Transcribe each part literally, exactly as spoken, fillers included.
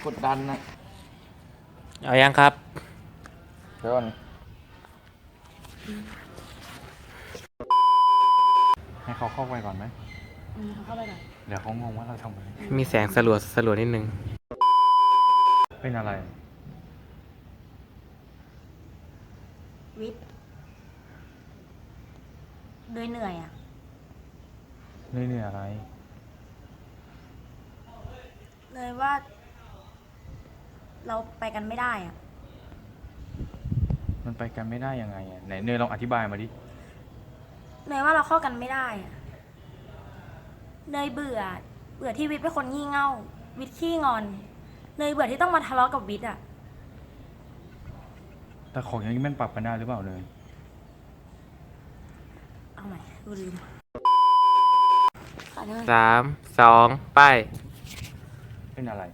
กดดันนะเอายังครับเดี๋ยวก่อนให้เขาเข้าไปก่อนไหมอืมเขาเข้าไปก่อนเดี๋ยวเขางงว่าเราทำอะไรมีแสงสลัวสลัวนิดนึงเป็นอะไรวิทย์เหนื่อยเหนื่อยอ่ะเหนื่อยเหนื่อยอะไรเลยว่า เราไปกันไม่ได้อ่ะมันไปกันไม่ได้ยังไงอ่ะไหนเนยลองอธิบายมาดิเนยว่าเราเข้ากันไม่ได้อ่ะเนยเบื่อเบื่อที่วิทย์เป็นคนงี่เง่าวิทย์ขี้งอนเนยเบื่อที่ต้องมาทะเลาะกับวิทย์อ่ะแต่ของอย่างนี้มันปรับกันได้หรือเปล่าเนยเอาใหม่ดูลืมสามสองไปเป็นอะไร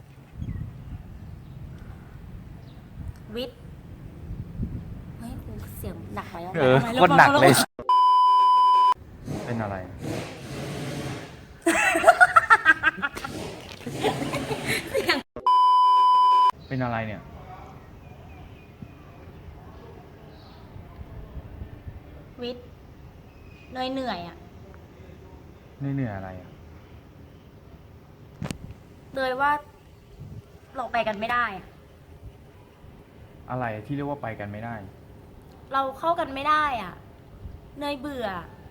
วิทย์เฮ้ยกูเสียงหนักไปแล้วเออโคตรหนักเลยเป็นอะไรเป็นอะไรเนี่ยวิทย์เนยเหนื่อยอ่ะเหนื่อยเหนื่อยอะไรอ่ะเลยว่าเราไปกันไม่ได้อ่ะอะไรที่เรียกว่าไปกันไม่ได้เราเข้ากันไม่ได้อ่ะเนยเบื่อ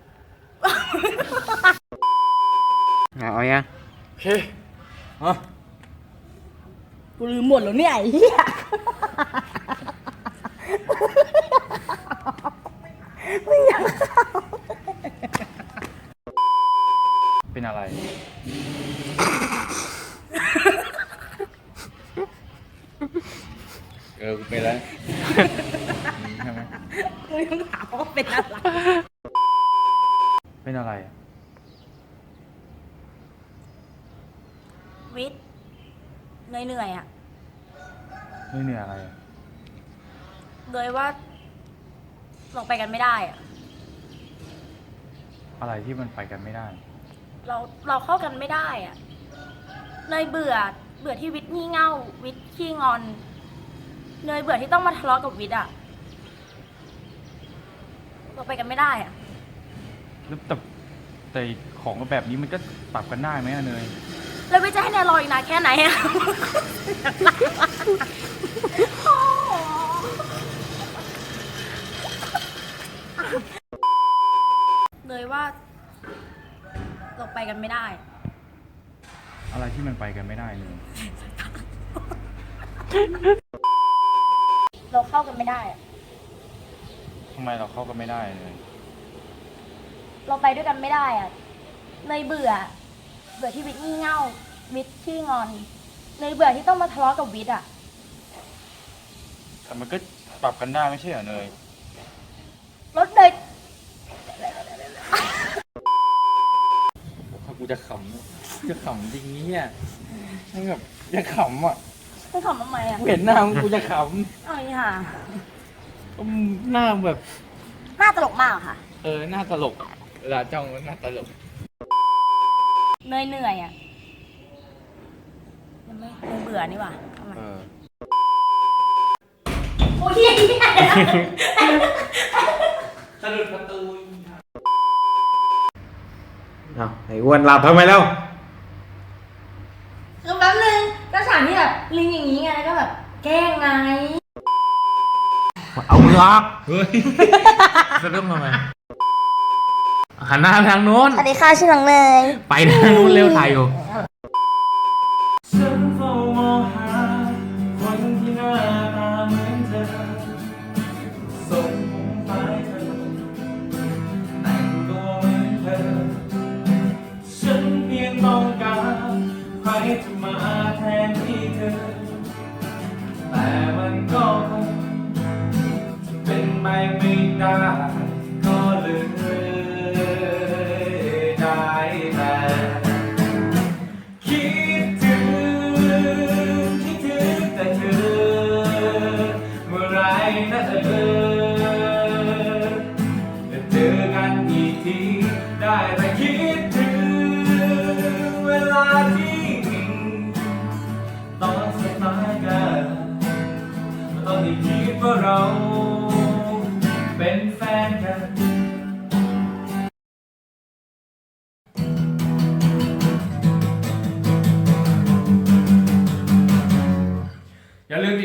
เอายังโอเคอ่ะกูลืมหมดแล้วเนี่ยไอ้เหี้ยไม่อยากเป็นอะไรเออเป็นแล้วใช่ไหมกูยังถามว่าเป็นอะไรเป็นอะไรวิทย์เหนื่อยเหนื่อยอ่ะเหนื่อยเหนื่อยอะไรเลยว่าเราไปกันไม่ได้อ่ะอะไรที่มันไปกันไม่ได้เราเราเข้ากันไม่ได้อ่ะเนยเบื่อเบื่อที่วิทย์งี่เง่าวิทย์ขี้งอนเนยเบื่อที่ต้องมาทะเลาะกับวิทย์อ่ะเราไปกันไม่ได้อ่ะแล้วแต่แต่ของแบบนี้มันก็ปรับกันได้ไหมเนยแล้ววิทย์จะให้เนยรออีกนานแค่ไหนอ่ะเลยว่าเราไปกันไม่ได้อะไรที่มันไปกันไม่ได้เลยเราเข้ากันไม่ได้อะทำไมเราเข้ากันไม่ได้เลยเราไปด้วยกันไม่ได้อะเนยเบื่อเบื่อที่วิทย์งี่เง่าวิทย์ขี้งอนเนยเบื่อที่ต้องมาทะเลาะกับวิทย์อ่ะแต่มันก็ปรับกันได้ไม่ใช่เหรอเนยรถเนยถ้ากูจะขำจะขำจริงเนี่ยให้แบบจะขำอ่ะต้องขำทำไมอ่ะเห็นหน้ามึงกูจะขำเอาอีห่าหน้าแบบหน้าตลกมากค่ะเออหน้าตลกเวลาจ้องหน้าตลกเนยเหนื่อยอ่ะยังไม่เนยเบื่อนี่หว่าทำไมโอ้ยสะดุดประตูเอาไอ้อ้วนหลับทำไมแล้วคือแป๊บนึงก็ฉากที่แบบลิงอย่างนี้ไงแล้วก็แบบแกล้งไงเอามือออกเฮ้ยสะดุ้งทำไมหันหน้าไปทางโน้นสวัสดีค่ะชื่อน้องเนยไปทางโน้นเร็วถ่ายอยู่ฉันเฝ้ามองหาคนที่หน้าตาเหมือนเธอส่งผมไปเธอแต่งตัวเหมือนเธอฉันเพียงต้องการใครจะมาแทนที่เธอแต่มันก็คงจะเป็นไปไม่ได้ก็เลยได้แต่คิดถึง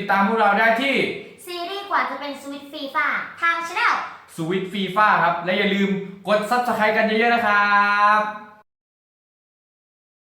ดตามพวกเราได้ที่ซีรีส์กว่าจะเป็นสวิตฟีฟ่าทางช anel สวิตฟีฟ่าครับ และอย่าลืมกด ซับสไครบ์ กันเยอะๆนะครับ